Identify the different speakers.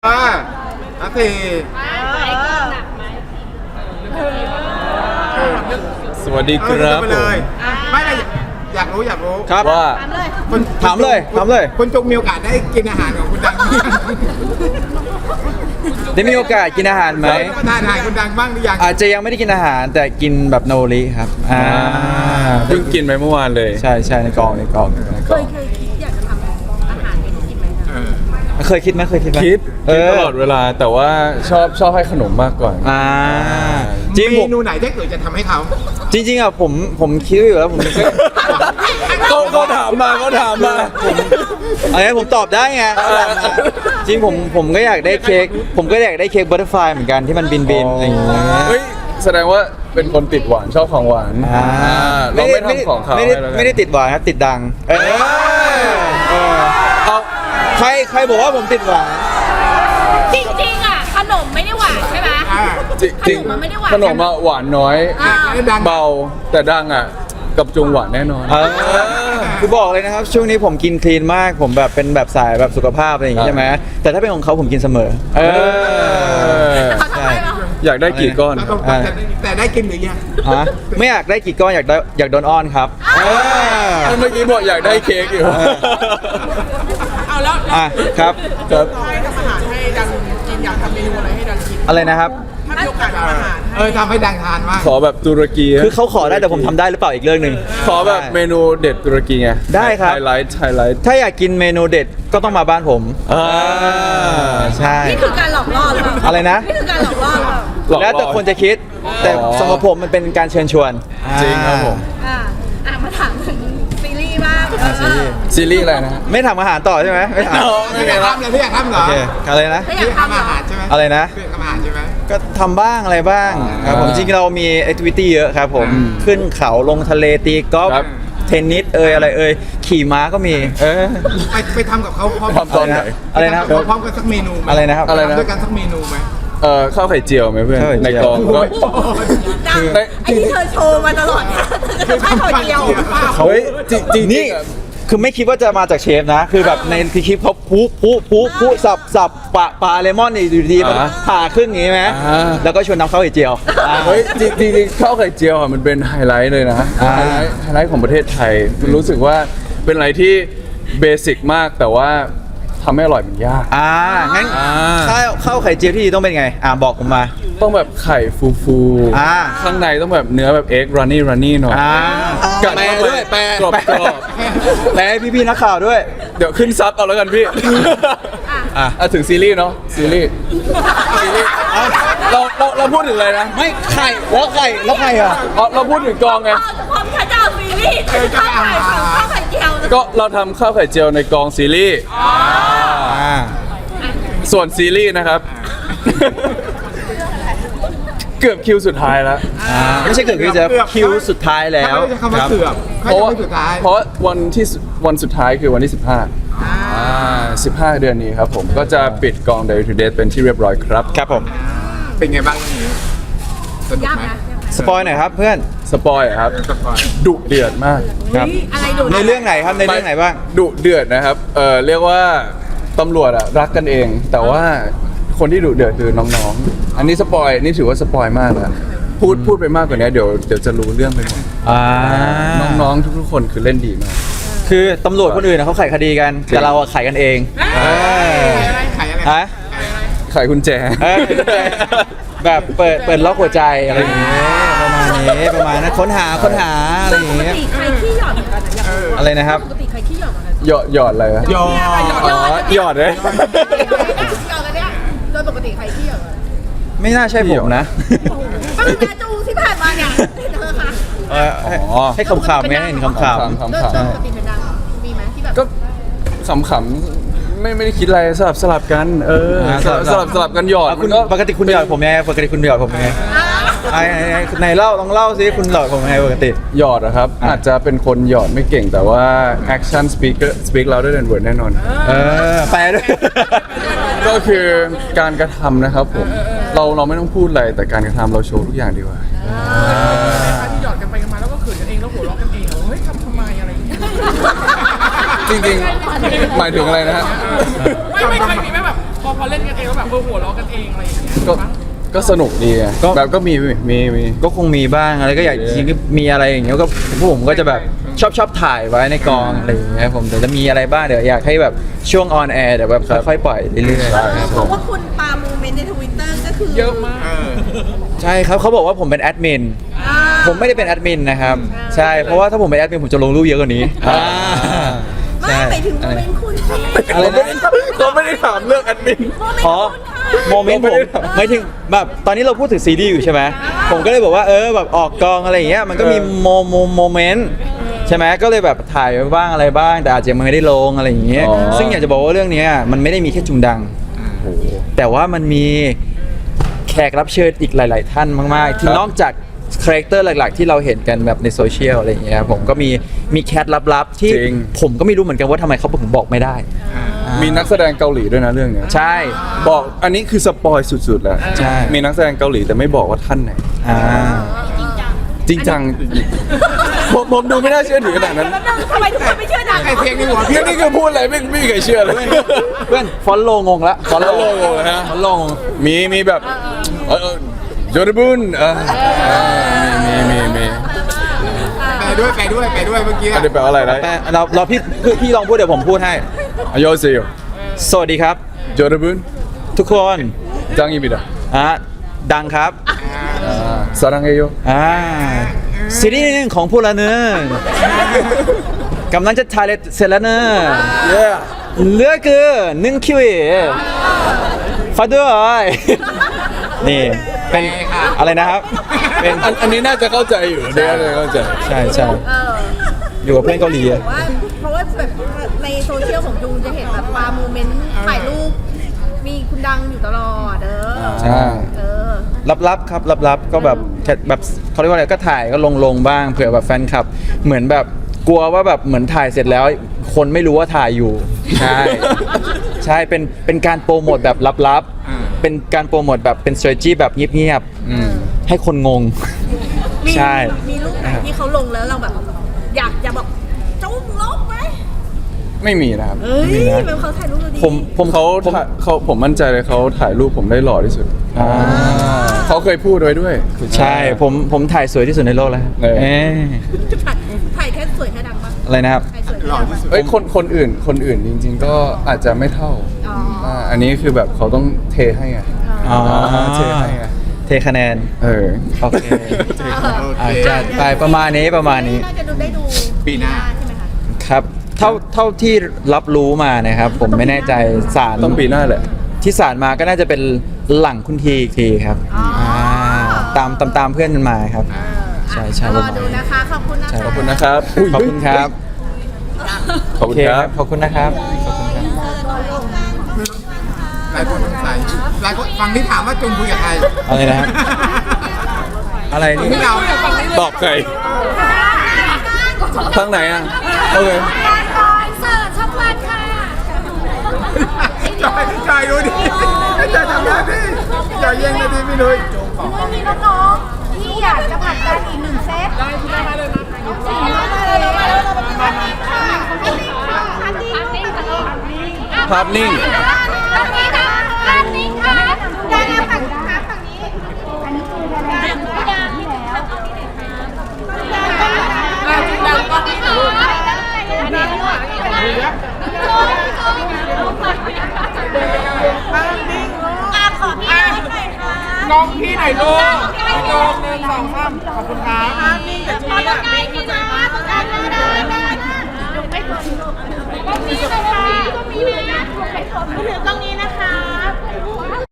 Speaker 1: อาที
Speaker 2: สวัสดีครับ
Speaker 1: ไป
Speaker 2: ผ
Speaker 1: เล
Speaker 2: ม
Speaker 1: ยไม่เลยอยากรู้
Speaker 2: ครับว่า ถามเลย
Speaker 1: คุณจุกมีโอกาสได้กินอาหารของคุณดัง
Speaker 2: ได้มีโอกาสกินอาหารไหม
Speaker 1: ทานอาหารคุณดังบ้างหรือยัง
Speaker 2: อาจจะยังไม่ได้กินอาหารแต่กินแบบโนริครับ
Speaker 3: เพิ่งกินไปเมื่อวานเลย
Speaker 2: ใช่ในกอง
Speaker 4: เคยคิดอยากจะทำอาหารให้กินไหมคะ
Speaker 2: เคยคิดไหม
Speaker 3: คิดตลอดเวลาแต่ว่าชอบให้ขนมมากกว่า
Speaker 2: จริง
Speaker 1: เมนูไหนที่เกิดจะทำให้เขา
Speaker 2: จริงอ่ะผมคิดอยู่แล้วผมไม่
Speaker 3: เขาถามมา
Speaker 2: อะไรผมตอบได้ไงจริงผมก็อยากได้เค้กผมก็อยากได้เค้กบัตเตอร์ฟลายเหมือนกันที่มันบินอะไรอย่างเงี้ย
Speaker 3: เฮ้ยแสดงว่าเป็นคนติดหวานชอบของหวานเราไม่ทำของเขา
Speaker 2: ไม่ได้ติดหวานครับติดดังเอาใครบอกว่าผมติดหวาน
Speaker 4: จริงๆอ่ะขนมไม่ได้หวานใช่ไหม
Speaker 3: จริง
Speaker 4: ขนมมันไม่ได้หวาน
Speaker 3: ขนมหวานน้อย
Speaker 1: ดัง
Speaker 3: เบาแต่ดังอ่ะกับจุงหวานแน่นอน
Speaker 2: คือบอกเลยนะครับช่วงนี้ผมกินคลีนมากผมแบบเป็นแบบสายแบบสุขภาพอะไรอย่างงี้ใช่ไหมแต่ถ้าเป็นของเขาผมกินเสมอ
Speaker 4: เขาทำไมเหรอ
Speaker 3: อยากได้กี่ก้อน
Speaker 1: แต่ได้กินหรือยัง
Speaker 2: ไม่อยากได้กี่ก้อนอยากโดนอ้อนครับ
Speaker 3: เมื่อกี้บอกอยากได้เค้กอยู่
Speaker 5: เอาแล้ว
Speaker 2: ครับ
Speaker 3: ครับ
Speaker 5: ให้ทำอาหารให้ดังกินอยากทำเมนูอะไรให้ดังกิน
Speaker 2: อะไรนะครับ
Speaker 5: ถ้ามีโอกาสทำอาหาร
Speaker 1: ทำให้ดังทานมาก
Speaker 3: ขอแบบตุรกี
Speaker 2: คือเขาขอได้แต่ผมทำได้หรือเปล่าอีกเรื่องหนึ่ง
Speaker 3: ขอแบบเมนูเด็ดตุรกีไง
Speaker 2: ได้ครับ
Speaker 3: ไฮไลท์
Speaker 2: ถ้าอยากกินเมนูเด็ดก็ต้องมาบ้านผมใช่
Speaker 4: นี่คือการหลอกล่อหรือเปล่า
Speaker 2: อะไรนะ
Speaker 4: นี่คือการหลอกล่อหรือเปล่า
Speaker 2: แล้วแต่คนจะคิดแต่สำหรับผมมันเป็นการเชิญชวน
Speaker 3: จริงครับผม
Speaker 4: มาถามถึงซีรีส์บ้าง
Speaker 3: ซีรีส์อะไรนะ
Speaker 2: ไม่ทำอาหารต่อใช่ไหมไม่ถาม
Speaker 1: ไม่อยากทำเลยไม่อยากทำเหร
Speaker 2: โอ
Speaker 1: อ
Speaker 2: เคอะไรนะ
Speaker 4: ถ้าอ
Speaker 1: ไม่
Speaker 4: ยาก
Speaker 1: อยาก
Speaker 4: ทำ
Speaker 1: ทำอาหารใช่ไหม
Speaker 2: อะไรนะ
Speaker 1: ไม่อยากทำอาหารใช่ไหม
Speaker 2: ก็ทำบ้างอะไรบ้างครับผมจริงๆเรามีแอคทิวิตี้เยอะครับผมขึ้นเขาลงทะเลตีกอล์ฟ
Speaker 3: ครับ
Speaker 2: เทนนิสอะไรขี่ม้าก็มี
Speaker 1: ไปทำกับเขาพร้อม
Speaker 3: ทำตอนไหน
Speaker 2: อะไรนะครับ
Speaker 1: พร้อมกันสักเมนูไหม
Speaker 2: อะไรนะครับ
Speaker 3: อะไรนะ
Speaker 1: ทำด้วยกันสักเมนูไหม
Speaker 3: ข้าวไข่เจียวไหมเพื่อน
Speaker 2: ข้าวไข่
Speaker 3: ใน
Speaker 2: เจียว
Speaker 3: กองก็
Speaker 4: ดังไอ้ที่เธอโชว์มาตลอดเนี่ยคือข้าวไข่เจียว
Speaker 2: เฮ้ย
Speaker 3: จริงๆ
Speaker 2: นี่
Speaker 3: อะ
Speaker 2: คือไม่คิดว่าจะมาจากเชฟนะ คือแบบในคลิปเขาพุสับปลาเลมอนนี่อยู่ดีๆมันผ่าครึ่งอย่างนี้ไหมแล้วก็ชวนน้ำข้าวไข่เจียว
Speaker 3: เฮ้ยจริงๆข้าวไข่เจียวอะมันเป็นไฮไลท์เลยนะไฮไลท์ของประเทศไทยรู้สึกว่าเป็นอะไรที่เบสิกมากแต่ว่าทำให้อร่อยมันยาก
Speaker 2: งั้นข้าวไข่เจียวที่ดีต้องเป็นไงบอกผมมา
Speaker 3: ต้องแบบไข่ฟู
Speaker 2: อ่า
Speaker 3: ข้างในต้องแบบเนื้อแบบเอ็กรันนี่หน่อย กัด
Speaker 2: แปล
Speaker 3: เข้าไป
Speaker 2: ด้วยแปล
Speaker 3: กรอบ
Speaker 2: แปลให้พี่ๆนักข่าวด้วย
Speaker 3: เดี๋ยวขึ้นซับเอาแล้วกันพี่ถึงซีรีส์เนาะซีรีส์เราพูดถึงอะไรนะ
Speaker 2: ไม่ไข่แล้วไข่อ่ะ
Speaker 3: เราพูดถึงกองไง
Speaker 4: ความชัดเจนซีรีส์ข้าวไข่ข้าวไข่เจียว
Speaker 3: ก็เราทำข้าวไข่เจียวในกองซีรีส์ส่วนซีรีส์นะครับ เกือบคิวสุดท้ายแล้ว
Speaker 2: ไม่ใช่เกิดขึ้นจะคิวสุดท้ายแล้ว
Speaker 1: ไม่ใช่คำว่าเกือบ
Speaker 3: เพราะว่า
Speaker 1: ไม่ใช่สุดท้าย
Speaker 3: เพราะวันสุดท้ายคือวันที่ 15 เดือนนี้ครับผมก็จะปิดกอง Day to Day เป็นที่เรียบร้อยครับ
Speaker 2: ครับผม
Speaker 1: เป็นไงบ้างวันนี้สนุก
Speaker 4: ยาก
Speaker 1: ไหม
Speaker 4: นะ
Speaker 2: สปอยหน่อยครับเพื่อน
Speaker 3: สปอยล์ครับ
Speaker 1: สปอย
Speaker 3: ดุเดือดมาก
Speaker 2: ครับ
Speaker 4: อะไรดู
Speaker 2: ในเรื่องไหนครับในเรื่องไหนบ้าง
Speaker 3: ดุเดือดนะครับเรียกว่าตำรวจอะรักกันเอง แต่ว่าคนที่ดุเดือดคือน้องๆ อันนี้สปอยนี่ถือว่าสปอยมากแล้วพูดไปมากกว่านี้เดี๋ยวจะรู้เรื่องไปหมดน้องๆทุกๆคนคือเล่นดีมาก
Speaker 2: คือตำรวจคนอื่นเขาไขคดีกัน แต่เราไขกันเอง
Speaker 1: ขายอะไร
Speaker 2: ฮะ
Speaker 3: ไขกุญแจ
Speaker 2: แบบเปิดล็อกหัวใจอะไรอย่างเงี้ยประมาณนั้นค้นหาอะไรอย่าง
Speaker 4: ปก
Speaker 2: เงี้ย
Speaker 4: ติใครขี้หยอดเหมือนกันนะอยากรู้
Speaker 2: อะไรนะครับ
Speaker 4: ปกติใครขี้หยอดเหมือนกัน
Speaker 3: หยอดอะไรอะ
Speaker 1: ยอ
Speaker 3: หยอดเลย
Speaker 4: หยอดกันเนี่ยโดยปกติใครขี้หยอดกัน
Speaker 2: ไม่น่าใช่ผมนะ
Speaker 4: ก็คือแม่จูที่ผ่านมาเนี่ยเธอคะ
Speaker 2: ให้คำๆไงให้เห็นคำ
Speaker 4: โดยปกติเป็นดังมีไหมที่แบบ
Speaker 3: ก็ขำๆไม่ได้คิดอะไรสลับกันสลับกันหยอด
Speaker 2: คุณ
Speaker 3: มันก็
Speaker 2: ปกติคุณหยอดผมยังไงปกติคุณหยอดผมยังไงไหนเล่าลองเล่าสิคุณหยอดผมยังไงปกติ
Speaker 3: หยอดนะครับ อาจจะเป็นคนหยอดไม่เก่งแต่ว่า action speak louder than word แน่นอน
Speaker 2: แปลด้วย
Speaker 3: ก็คือการกระทำนะครับผมเราไม่ต้องพูดอะไรแต่การกระทำเราโชว์ทุกอย่างดีกว่า
Speaker 5: ที่หยอดกันไปกันมาแล้วก็เขินกันเองแล้วหัวเราะกันเองเฮ้ยทำไมอะไรอย่างเงี้ย
Speaker 3: จริงๆหมายถึงอะไรนะฮะ
Speaker 5: ไม่เคยมีไหมแบบพอเล่นกันเองแล้วแบบหัวเราะกันเองอะไรอย่างเงี้ย
Speaker 3: ก็สนุกดีไง
Speaker 2: ก็
Speaker 3: แบบก็มี
Speaker 2: ก็คงมีบ้างอะไรก็อยากจริงๆมีอะไรอย่างเงี้ยก็พวกผมก็จะแบบชอบถ่ายไว้ในกองอะไรอย่างเงี้ยผมแต่จะมีอะไรบ้างเดี๋ยวอยากให้แบบช่วงออนแอร์เดี๋ยวแบบค่อยๆปล่อยเรื่อยๆครับ
Speaker 4: เพราะว่าคุณปาโมเมนต์ในทวิตเตอร์ก็คือ
Speaker 5: เยอะมาก
Speaker 2: ใช่ครับเขาบอกว่าผมเป็นแอดมิน
Speaker 4: อ่า
Speaker 2: ผมไม่ได้เป็นแอดมินนะครับใช่เพราะว่าถ้าผมเป็นแอดมินผมจะลงรูปเยอะกว่านี้
Speaker 4: ไม่ไปถึงโมเมนต์คุณสิ
Speaker 2: อะไรนะ
Speaker 3: เขาไม่ได้ถามเรื่องแอดมิน
Speaker 4: โมเมนต์
Speaker 2: อ๋อ
Speaker 4: คุณค่ะ
Speaker 2: โมเมนต์ผมหมายถึงแบบตอนนี้เราพูดถึงซีรีส์อยู่ใช่ไหมผมก็เลยบอกว่าแบบออกกองอะไรอย่างเงี้ยมันก็มีโมเมนต์ใช่ไหมก็เลยแบบถ่ายไว้บ้างอะไรบ้างแต่อาจจะยังไม่ได้ลงอะไรอย่างเงี้ย
Speaker 3: อ๋อ
Speaker 2: ซึ่งอยากจะบอกว่าเรื่องเนี้ยมันไม่ได้มีแค่จุงดัง แต่ว่ามันมีแขกรับเชิญอีกหลาย ๆ ท่านมาก ๆ ที่นอกจากคาแรคเตอร์หลัก ๆ ที่เราเห็นกันแบบในโซเชียลอะไรอย่างเงี้ยผมก็มีแคทลับ ๆ ที่
Speaker 3: จริง
Speaker 2: ผมก็ไม่รู้เหมือนกันว่าทำไมเขาถึงบอกไม่ได้
Speaker 3: มีนักแสดงเกาหลีด้วยนะเรื่องเนี้ย
Speaker 2: ใช่
Speaker 3: บอกอันนี้คือสปอยสุดๆแล้ว
Speaker 2: ใช่
Speaker 3: มีนักแสดงเกาหลีแต่ไม่บอกว่าท่านไหน
Speaker 2: อ่า
Speaker 3: จริงจังผมดูไม่น่าเชื่อถือขนาดนั้น
Speaker 4: แล้วนึงทำไมทุกคนไม่เชื่อดัง
Speaker 1: ไอ้เพลงในหัว
Speaker 3: พี่นี่คือพูดอะไรไม่มีใครเชื่อเลย
Speaker 2: เพื่อนฟอนโลงงละฟอนโล
Speaker 3: follow งงเลยฮะ
Speaker 2: ฟอนโลงง
Speaker 3: มีแบบโจดบุนมี
Speaker 1: ไปด้วยเมื่อกี้
Speaker 3: อันนี้แปลว่าอะไรนะ
Speaker 2: แต่เราพี่ลองพูดเดี๋ยวผมพูดให้
Speaker 3: อโยเซโย
Speaker 2: สวัสดีครับ
Speaker 3: โจดบุน
Speaker 2: ทุกคน
Speaker 3: จังอีบิดะ
Speaker 2: ดังครับ
Speaker 3: สารังเอโย
Speaker 2: ซีรีส์หนึ่งของพวกเราเนอะกำลังจะถ่ายเสร็จแล้วเนอะ
Speaker 3: เย้
Speaker 2: เหลือเกิน1 คิวฝากด้วยนี่เป็นอะไรนะครับเป็น
Speaker 3: อันนี้น่าจะเข้าใจอยู่เนี่ยน่าจะเข้าใจ
Speaker 2: ใช่
Speaker 4: เออ
Speaker 2: อยู่กับเพื่อนเกาหลีอะ
Speaker 4: ว่าเพราะว่าแบบในโซเชียลของจูนจะเห็นแบบปาโมเมนต์ถ่ายรูปมีคุณดังอยู่ตลอด
Speaker 2: ใช่
Speaker 4: เออ
Speaker 2: ลับๆครับลับๆก็แบบแค่แบบเขาเรียกว่าอะไรก็ถ่ายก็ลงบ้างเผื่อแบบแฟนคลับ เหมือนแบบกลัวว่าแบบเหมือนถ่ายเสร็จแล้ว คนไม่รู้ว่าถ่ายอยู่ใช่ ใช่เป็นการโปรโมทแบบลับๆเป็นการโปรโมทแบบเป็น strategy แบบเงียบๆให้คนงง
Speaker 4: มี
Speaker 2: ใช่
Speaker 4: มีรูปไหนที่เขาลงแล้วเราแบบ อยากจะบอกจุ้มลบไหม
Speaker 3: ไม่มีนะครับ
Speaker 4: เอ้ยเป็นเขาถ่ายรูปเราดี
Speaker 3: ผมมั่นใจเลยเขาถ่ายรูปผมได้หล่อที่สุดเขาเคยพูดไว้ด้วย
Speaker 2: ใช่ผมถ่ายสวยที่สุดในโลกแล้ว
Speaker 3: เออ
Speaker 4: ถ่ายแค่สวยแค่ดังปะ
Speaker 2: อะไรนะครับ
Speaker 4: ถ่ายสวยแค่
Speaker 1: หล่อ
Speaker 4: ดัง
Speaker 1: ที่
Speaker 4: ปะ
Speaker 1: สุด
Speaker 3: เอ้ยคนอื่นจริง ๆ ก็อาจจะไม่เท่า
Speaker 4: อ๋ออ่
Speaker 3: อันนี้คือแบบเขาต้องเทให้ไง
Speaker 2: อ๋อ
Speaker 3: เทให้ไง
Speaker 2: เทคะแนน
Speaker 3: เออ
Speaker 2: โอเค
Speaker 1: โอเค
Speaker 2: จัดไปประมาณนี้
Speaker 4: น่าจะได้ดู
Speaker 1: ปีหน้า
Speaker 4: ใช่ไหมคะ
Speaker 2: ครับเท่าที่รับรู้มานะครับ ผมไม่แน่ใจสาร
Speaker 3: ต้องปีหน้าแหละ
Speaker 2: ที่สารมาก็น่าจะเป็นหลังคุณทีอีกทีครับ
Speaker 4: อ๋ออ่
Speaker 2: ตามเพื่อนมันมาครับ ใช่
Speaker 4: รอดูนะคะ ขอบคุณนะคะ
Speaker 3: ขอบคุณนะครับ
Speaker 2: ขอบคุณครับ
Speaker 3: ขอบคุณครับ
Speaker 2: ขอบคุณนะครับ
Speaker 1: หลายคนสงสัยหลายคนฟังที่ถามว่าจุงคุยกับใคร
Speaker 2: อะไรนะครับ อะไรนี่
Speaker 1: ที่เรา
Speaker 3: ตอบใครทางไหนอ่ะโอเค
Speaker 1: จอยดูดิจอยทำหน้าที่จอยแย่งหน้าที่พี่นุ้ย
Speaker 4: มีน้องๆที่อยากจะผลักดันอีกหนึ่งเซตได้เลยมา
Speaker 3: ภาพนิ่ง
Speaker 5: น้องพี่ไหนลูกโจม1 2 3ขอบคุณครับนี่แต่จุ๊บอ่ะ
Speaker 4: ตรงนี้นะคะ